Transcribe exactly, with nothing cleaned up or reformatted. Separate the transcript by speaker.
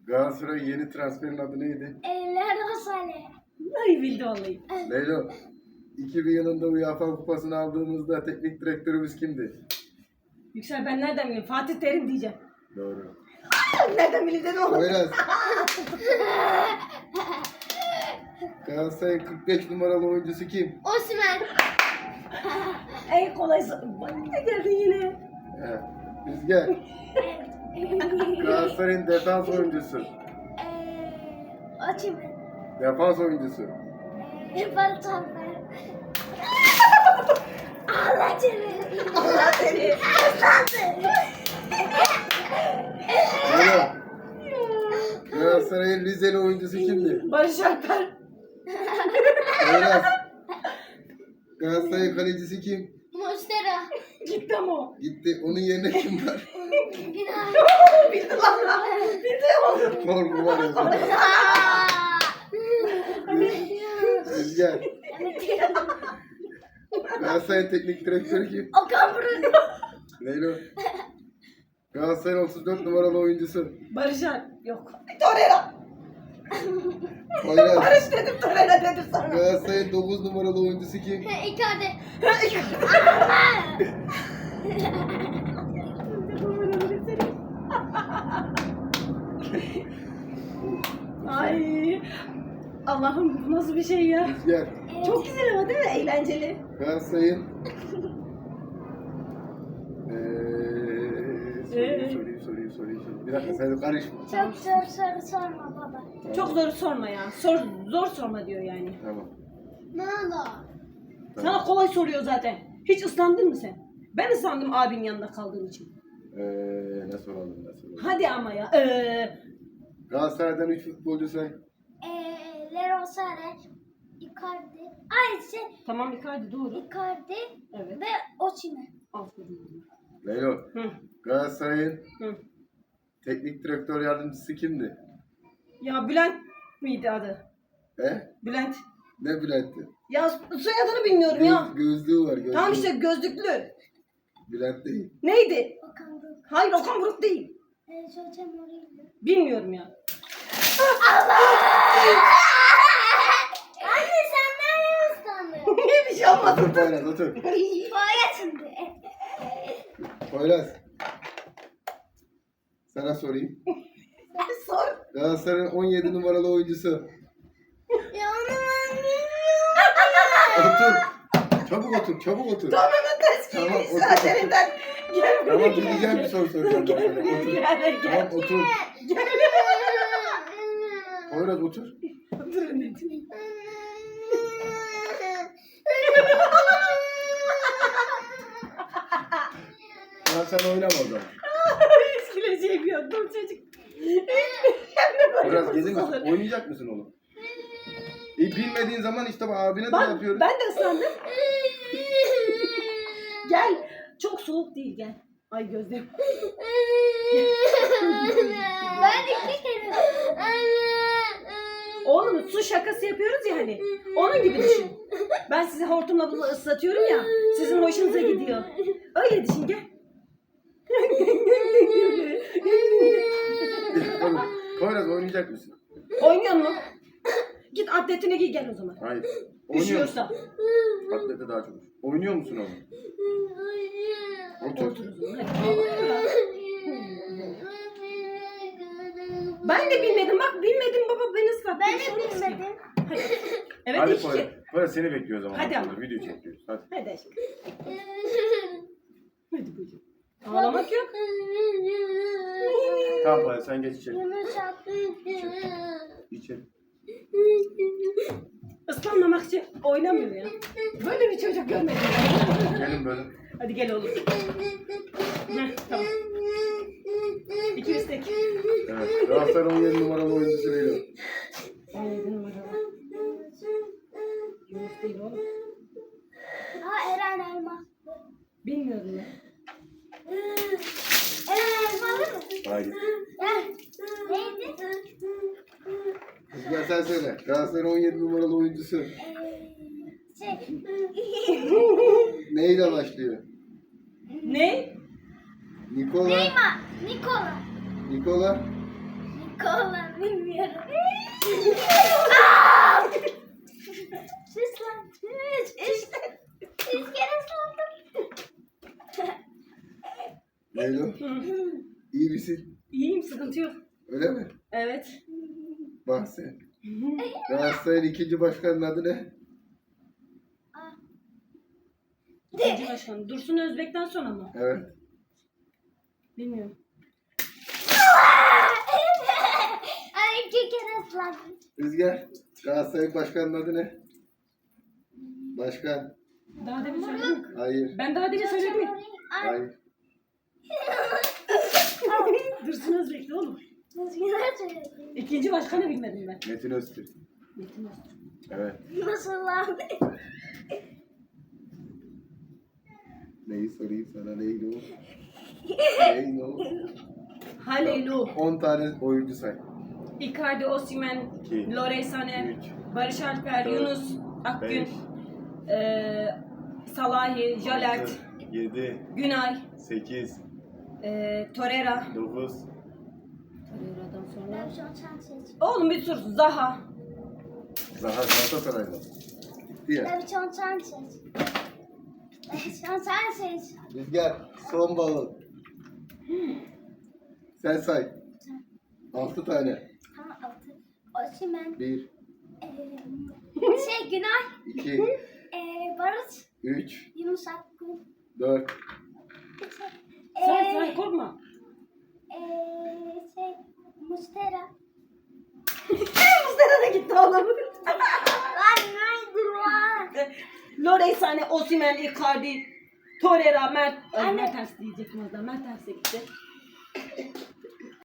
Speaker 1: Galatasaray'ın yeni transferin adı neydi?
Speaker 2: Leroy Sané.
Speaker 3: Ay bildi vallahi.
Speaker 1: Leylo. iki bin yılında UEFA kupasını aldığımızda teknik direktörümüz kimdi?
Speaker 3: Yüksel ben nereden bileyim? Fatih Terim diyeceğim.
Speaker 1: Doğru.
Speaker 3: Nereden bileyim dedim ama.
Speaker 1: Poyraz. Galatasaray'ın kırk beş numaralı oyuncusu kim?
Speaker 2: Osimhen.
Speaker 3: En kolay soru. Bak ne geldin yine.
Speaker 1: He. Rüzgar. Galatasaray'ın defans oyuncusu.
Speaker 2: Eee, Osimhen.
Speaker 1: Defans oyuncusu.
Speaker 2: Barış Alper. Allah seni.
Speaker 3: Allah seni.
Speaker 1: Leylo. Galatasaray'ın Rizeli oyuncusu kimdi?
Speaker 3: Barış Alper.
Speaker 1: Poyraz. Galatasaray'ın kalecisi kim?
Speaker 2: Mustera.
Speaker 3: Gitti ama o.
Speaker 1: Gitti. Onun yerine kim var?
Speaker 2: Günay.
Speaker 3: Bildi lan lan. Bildi oğlum.
Speaker 1: Korku var ya. Rüzgar. Galatasaray'ın teknik direktörü kim?
Speaker 2: Okan Buruk.
Speaker 1: Leylo. Galatasaray'ın otuz dört numaralı oyuncusu.
Speaker 3: Barış Alper. Yok. Torreira.
Speaker 1: Poyraz.
Speaker 3: Barış dedim Torreira dedim sana.
Speaker 1: Galatasaray'ın dokuz numaralı oyuncusu kim?
Speaker 2: Icardi.
Speaker 3: Ay. Allah'ım bu nasıl bir şey ya?
Speaker 1: Rüzgar.
Speaker 3: Çok güzel ama değil mi? Eğlenceli.
Speaker 1: Galatasaray'ın Eee sorayım sorayım sorayım sorayım sorayım. Bir dakika sen karışma.
Speaker 2: Çok zor soru sorma baba.
Speaker 3: Çok zor sorma ya. Sor, zor sorma diyor yani.
Speaker 1: Tamam.
Speaker 2: Ne oldu?
Speaker 3: Sana kolay soruyor zaten. Hiç ıslandın mı sen? Ben ıslandım abinin yanında kaldığım için.
Speaker 1: Eee ne soralım ne soralım.
Speaker 3: Hadi ama ya. Ee,
Speaker 1: Galatasaray'dan üç futbolcu say.
Speaker 2: Eee, Leroy Sané. Icardi. Ay şey.
Speaker 3: tamam Icardi doğru.
Speaker 2: Icardi
Speaker 3: Evet.
Speaker 2: ve Osimhen.
Speaker 1: Leylo.
Speaker 3: Hı.
Speaker 1: Galatasaray'ın
Speaker 3: Hı.
Speaker 1: teknik direktör yardımcısı kimdi?
Speaker 3: Ya Bülent miydi adı?
Speaker 1: He?
Speaker 3: Bülent.
Speaker 1: Ne Bülent'ti?
Speaker 3: Ya soyadını bilmiyorum ya.
Speaker 1: Göz, gözlüğü var gözlüğü.
Speaker 3: Tamam işte gözlüklü.
Speaker 1: Bülent değil.
Speaker 3: Neydi?
Speaker 2: Okan Buruk.
Speaker 3: Hayır Okan Buruk değil.
Speaker 2: Eee, Jose Mourinho.
Speaker 3: Bilmiyorum ya.
Speaker 2: Anne sen nereye ıslandın?
Speaker 3: Niye bir şey olmadı?
Speaker 1: Otur Poyraz otur.
Speaker 2: Boya şimdi.
Speaker 1: Poyraz. Sana sorayım.
Speaker 3: Sor.
Speaker 1: Galatasaray'ın on yedi numaralı oyuncusu.
Speaker 2: Ya onu ben bilmiyorum.
Speaker 1: Otur. Çabuk otur, çabuk otur.
Speaker 3: Donanın ters
Speaker 1: Tamam,
Speaker 3: giymiş
Speaker 1: otur,
Speaker 3: saatlerinden. Gel buraya
Speaker 1: Tamam,
Speaker 3: gel.
Speaker 1: bileceğim bir soru soracağım.
Speaker 3: Gel
Speaker 1: ben sana.
Speaker 3: buraya
Speaker 1: Otur.
Speaker 3: gel gel.
Speaker 1: Tamam, otur.
Speaker 3: Gel.
Speaker 1: Poyraz otur.
Speaker 3: Otur anneciğim.
Speaker 1: Ya sen oynama o zaman.
Speaker 3: Hiç güleceğim yok. Dur çocuk.
Speaker 1: Poyraz gelir misin? Oynayacak mısın oğlum? E, bilmediğin zaman işte bak abine de
Speaker 3: Bak
Speaker 1: yapıyoruz.
Speaker 3: ben de ıslandım. Gel. Çok soğuk değil gel. Ay gözlerim.
Speaker 2: Ben iki kere.
Speaker 3: Oğlum su şakası yapıyoruz ya hani. Onun gibi düşün. Ben sizi hortumla bunu ıslatıyorum ya. Sizin hoşunuza gidiyor. Öyle düşün gel.
Speaker 1: Oğlum, Poyraz oynayacak mısın?
Speaker 3: Oynuyor mu? Git atletine giy gel o zaman.
Speaker 1: Hayır. Oynuyor musun?
Speaker 3: Üşüyorsa.
Speaker 1: Atlete daha çok. Oynuyor musun oğlum? Otur.
Speaker 3: Otur o zaman. Hadi. Ben de bilmedim. Bak bilmedim baba beni ıslattı.
Speaker 2: Ben
Speaker 3: Bir şey
Speaker 2: de
Speaker 3: olmaz ki.
Speaker 2: bilmedim.
Speaker 3: Hadi. Evet
Speaker 1: Hadi
Speaker 3: iki.
Speaker 1: Poyraz. Poyraz seni bekliyor o zaman.
Speaker 3: Hadi ama.
Speaker 1: Video çekiyoruz. Hadi.
Speaker 3: Hadi aşkım. Hadi buyurun. Ağlamak yok.
Speaker 1: Tamam Poyraz sen geç içeri.
Speaker 2: Yumuşak.
Speaker 1: İçeri.
Speaker 3: Islanmamak için oynamıyor ya. Böyle bir çocuk görmedim.
Speaker 1: Gelin böyle.
Speaker 3: Hadi gel oğlum. Heh, tamam. İki istek.
Speaker 1: Evet. Galatasaray'ın on yedi numaralı oyuncusu veriyor.
Speaker 3: on yedi numara. Yunus değil oğlum.
Speaker 2: Ha Eren Elma.
Speaker 3: Bilmiyorum ya.
Speaker 2: Eren Elmalı mı?
Speaker 1: Haydi.
Speaker 2: Eh, Neydi?
Speaker 1: Rüzgar sen söyle. Galatasaray'ın on yedi numaralı oyuncusu.
Speaker 2: Ee, Şey.
Speaker 1: Neyle başlıyor?
Speaker 3: Ne?
Speaker 1: Nikola.
Speaker 2: Neymar. Nikola.
Speaker 1: Nikola.
Speaker 2: Nikola. Bilmiyorum. Sus lan. Üç. Üç. Üç kere sordum.
Speaker 1: Leylo, iyi misin?
Speaker 3: İyiyim, sıkıntı yok.
Speaker 1: Öyle mi?
Speaker 3: Evet.
Speaker 1: Bak sen. Galatasaray'ın ikinci başkanının adı ne?
Speaker 3: İkinci başkan. Dursun Özbek'ten sonra mı?
Speaker 1: Evet.
Speaker 3: Bilmiyorum.
Speaker 2: Ay iki kere ıslandım.
Speaker 1: Rüzgar, Galatasaray'ın başkanının adı ne? Başkan.
Speaker 3: Daha demin söyledim mi?
Speaker 1: Hayır.
Speaker 3: Ben daha demin söyledim mi?
Speaker 2: Ay.
Speaker 1: Hayır.
Speaker 3: Dursun Özbek'ti oğlum.
Speaker 2: Rüzgar söyledim.
Speaker 3: İkinci başkanı bilmedim ben.
Speaker 1: Metin Öztürk.
Speaker 3: Metin Öztürk.
Speaker 1: Evet.
Speaker 2: Nasıl lan?
Speaker 1: Neyi sorayım sana Leylo? Leylo.
Speaker 3: Halelu,
Speaker 1: on tane oyuncu say.
Speaker 3: Icardi, Osimhen,
Speaker 1: İki.
Speaker 3: Leroy Sané,
Speaker 1: Üç.
Speaker 3: Barış Alper,
Speaker 1: Dört.
Speaker 3: Yunus Akgün,
Speaker 1: Beş.
Speaker 3: eee Salahi, Jalert,
Speaker 1: yedi,
Speaker 3: Günay,
Speaker 1: sekiz,
Speaker 3: eee Torreira.
Speaker 1: dokuz,
Speaker 3: Torreira'dan
Speaker 2: Ben
Speaker 3: sonra.
Speaker 2: şu an sen seç.
Speaker 3: Oğlum bir dur. Zaha.
Speaker 1: Zaha Galatasaray'da. Gitti ya.
Speaker 2: Ben şu an sen seç. Ben şu an sen seç.
Speaker 1: Rüzgar, son balon. Sen say. Altı tane.
Speaker 2: Tamam altı. Osimhen.
Speaker 1: Bir,
Speaker 2: Eee şey Günay.
Speaker 1: iki,
Speaker 2: Eee Barış.
Speaker 1: üç,
Speaker 2: Yunus Akgün.
Speaker 1: dört,
Speaker 3: Say say korkma.
Speaker 2: Eee şey Mustera.
Speaker 3: Mustafa da gitti oğlum.
Speaker 2: Lan neydi lan?
Speaker 3: Leroy Sané, Osimhen, Icardi, Torreira, Mert. Ay
Speaker 2: Anne.
Speaker 3: Mertens diyecektim o zaman. Mertens de gitti.